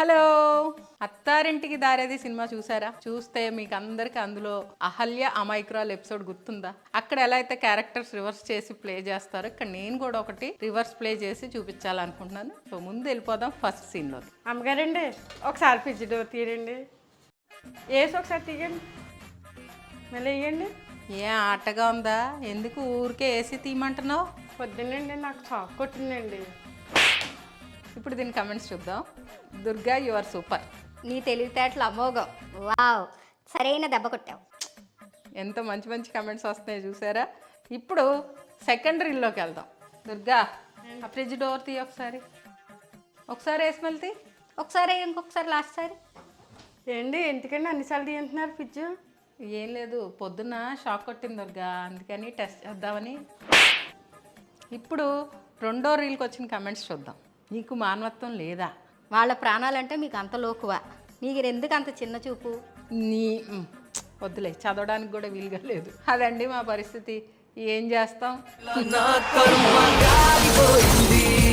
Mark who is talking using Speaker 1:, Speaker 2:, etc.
Speaker 1: Hello, అత్తారింటికి దారేది cinema చూసారా? చూస్తే మీకు అందరికి అందులో అహల్య అమాయకురాలు ఎపిసోడ్ గుర్తుందా? అక్కడ ఎలా అయితే క్యారెక్టర్స్ రివర్స్ చేసి ప్లే చేస్తారో ఇక్కడ నేను కూడా ఒకటి రివర్స్ ప్లే చేసి చూపించాలనుకుంటున్నాను. సో ముందు వెళ్ళిపోదాం ఫస్ట్ సీన్లో.
Speaker 2: అమ్మగారండి ఒకసారి ఫ్రిడ్జ్ డోర్ తీయండి, వేసి ఒకసారి తీయండి, మళ్ళీ వేయండి.
Speaker 1: ఏ ఆటగా ఉందా? ఎందుకు ఊరికే ఏసీ తీయమంటున్నావు?
Speaker 2: పొద్దున్నండి నాకు షాక్ కొట్టిందండి.
Speaker 1: ఇప్పుడు దీని కమెంట్స్ చూద్దాం. Durga you are super.
Speaker 3: నీ తెలివితేటలు అమోఘం. వావ్, సరైన దెబ్బ కొట్టావు.
Speaker 1: ఎంత మంచి మంచి కమెంట్స్ వస్తున్నాయి చూసారా? ఇప్పుడు సెకండ్ రీల్లోకి వెళ్దాం. దుర్గా ఆ ఫ్రిడ్జ్ డోర్ తీ ఒకసారి వేసి మళ్ళీ
Speaker 3: ఒకసారి ఇంకొకసారి లాస్ట్ సారి.
Speaker 2: ఏంటి ఎందుకండి అన్నిసార్లు తీయంటున్నారు ఫ్రిడ్జ్?
Speaker 1: ఏం లేదు, పొద్దున్న షాక్ కొట్టింది దుర్గా, అందుకని టెస్ట్ చేద్దామని. ఇప్పుడు రెండో రీల్కి వచ్చిన కమెంట్స్ చూద్దాం. నీకు మానవత్వం లేదా?
Speaker 3: వాళ్ళ ప్రాణాలంటే మీకు అంత లోకువా? మీకు ఎందుకు అంత చిన్న చూపు?
Speaker 1: నీ వద్దులే, చదవడానికి కూడా వీలుగా లేదు. అదండి మా పరిస్థితి, ఏం చేస్తాం.